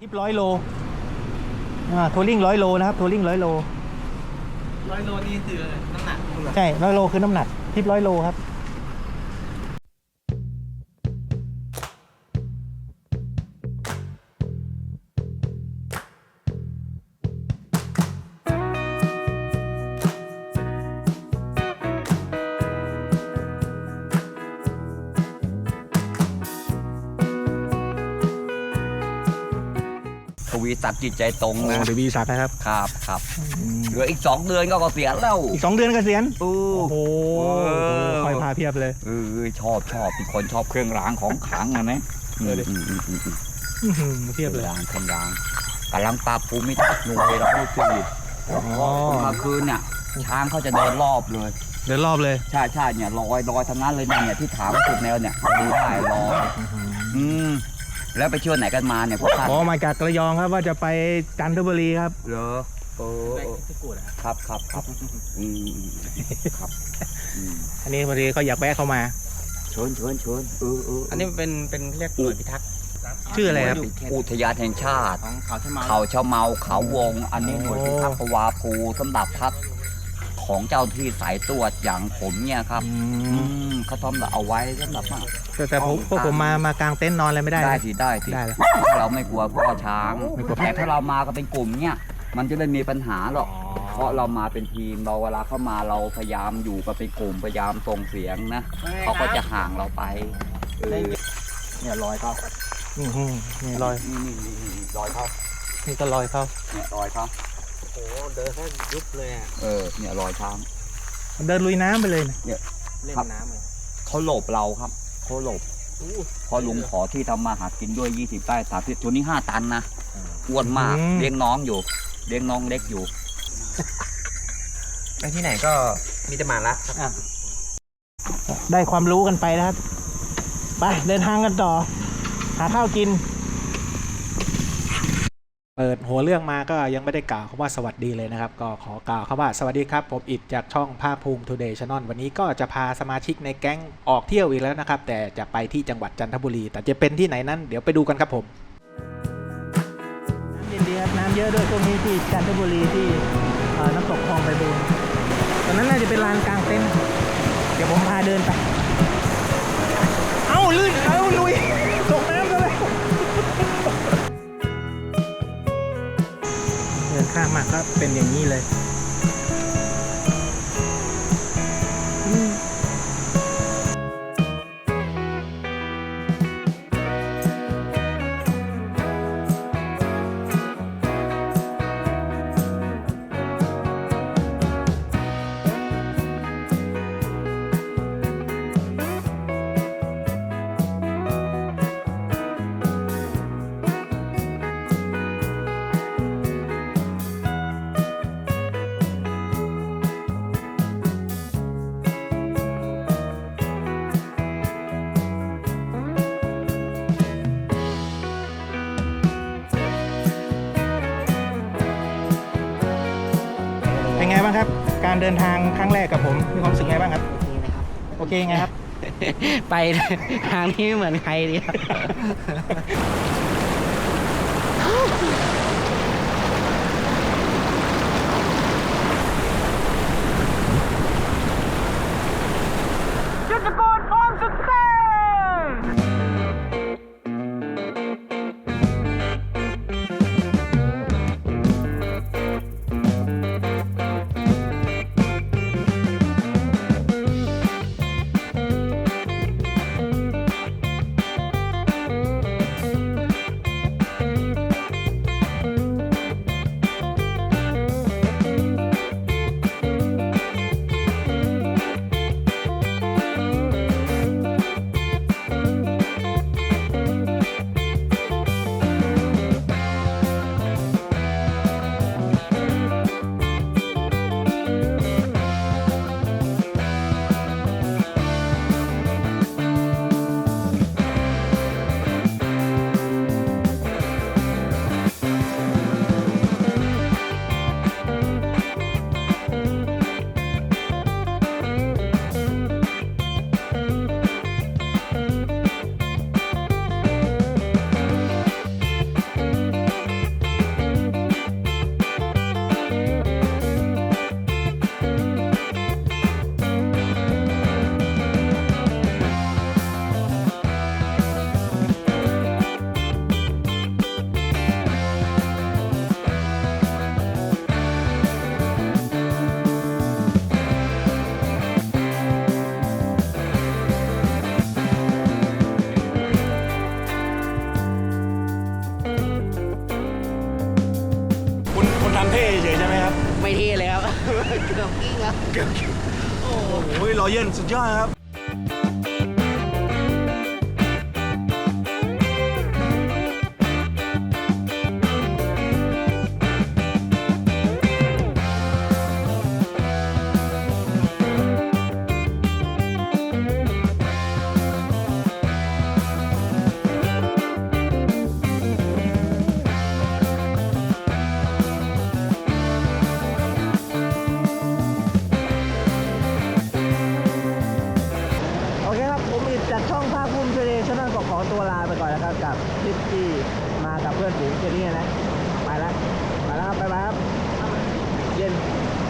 ทิป100 โลทัวริง100 โลนะครับทัวริง100 โล 100 โลนี่คือน้ำหนักใช่100 โลคือน้ำหนักทิป100 โลครับทวีศักดิ์จิตใจตรงนะเดวีศักดิ์นะครับครับเหลืออีก2 เดือนก็เกษียณแล้วอีก2 เดือนเกษียณโอ้โหคคอยพาเพียบเลยชอบเป็นคนชอบเครื่องรางของขลังนะเพียบเลยเครื่องรางกำลังปรับภูมิทัศน์หน่วยเราให้ชีวิตกลางคืนเนี่ยช้างเขาจะเดินรอบเลยใช่เนี่ยลอยทั้งนั้นเลยเนี่ยที่ถามสุดแนวเนี่ยดูได้ลอยแล้วไปเที่ยวไหนกันมาเนี่ยพวกท่านมาจากระยองครับว่าจะไปจันทบุรีครับเหรอครับครับอันนี้พอดีก็อยากแวะเข้ามาเชิญอันนี้เป็นเรียกหน่วยพิทักษ์ชื่ออะไรครับอุทยานแห่งชาติเขาชะเมาเขาวงอันนี้หน่วยพิทักษ์ปวาภูสำหรับพักของเจ้าที่สายตรวจอย่างผมเนี่ยครับเขาทำเอาไว้สำหรับแต่พวกผมมากางเต็นท์นอนอะไรไม่ได้ได้สิเราไม่กลัวพ่อช้างแต่ถ้าเรามาก็เป็นกลุ่มเนี่ยมันจะไม่มีปัญหาหรอกเพราะเรามาเป็นทีมเราเวลาเข้ามาเราพยายามอยู่กับเป็นกลุ่มพยายามส่งเสียงนะเขาก็จะห่างเราไปเนี่ยรอยเขานี่รอยรอยเขานี่ก็รอยเขาเนี่ยรอยเขาโอ้เดินแค่ยุบเลยอ่ะเนี่ยรอยช้างเดินลุยน้ำไปเลยเนี่ยเล่นน้ำเลยเขาหลบเราครับเขาหลบพอลุงขอที่ทำมาหากินด้วย20 ไร่30ตัวนี้5 ตันนะอ้วนมากเลี้ยงน้องอยู่เลี้ยงน้องเล็กอยู่ไปที่ไหนก็มีแต่หมาละได้ความรู้กันไปนะครับไปเดินทางกันต่อหาข้าวกินเปิดหัวเรื่องมาก็ยังไม่ได้กล่าวคำว่าสวัสดีเลยนะครับก็ขอกล่าวคำว่าสวัสดีครับผมอิดจากช่องภาคภูมิทูเดย์ชาแนลวันนี้ก็จะพาสมาชิกในแก๊งออกเที่ยวอีกแล้วนะครับแต่จะไปที่จังหวัดจันทบุรีแต่จะเป็นที่ไหนนั้นเดี๋ยวไปดูกันครับผมน้ำเย็นดีครับน้ำเยอะด้วยตรงนี้ที่จันทบุรีที่น้ำตกคลองไพบูลย์ตอนนั้นน่าจะเป็นลานกลางเต็นท์เดี๋ยวผมพาเดินไปลื่นลุยตกน้ำเลยเดินข้ามมาก็เป็นอย่างนี้เลยเป็นไงบ้างครับการเดินทางครั้งแรกกับผมมีความรู้สึกไงบ้างครับโอเคไงครับไปทางนี้ไม่เหมือนใครดีครับจุดตะโกนพร้อมสุดเต้เท่เฉยใช่ไหมครับไม่เท่เลยครับ เกือบกิ้งแล้วโอ้โหรอยเย็นสุดยอดครับโอเคครับผมอิดจากช่องภาคภูมิทะเลช่องขอตัวลาไปก่อนนะครับกับทริปที่มากับเพื่อนฝูงเจนี่นะไปแล้วครับบ๊ายบายครับเย็น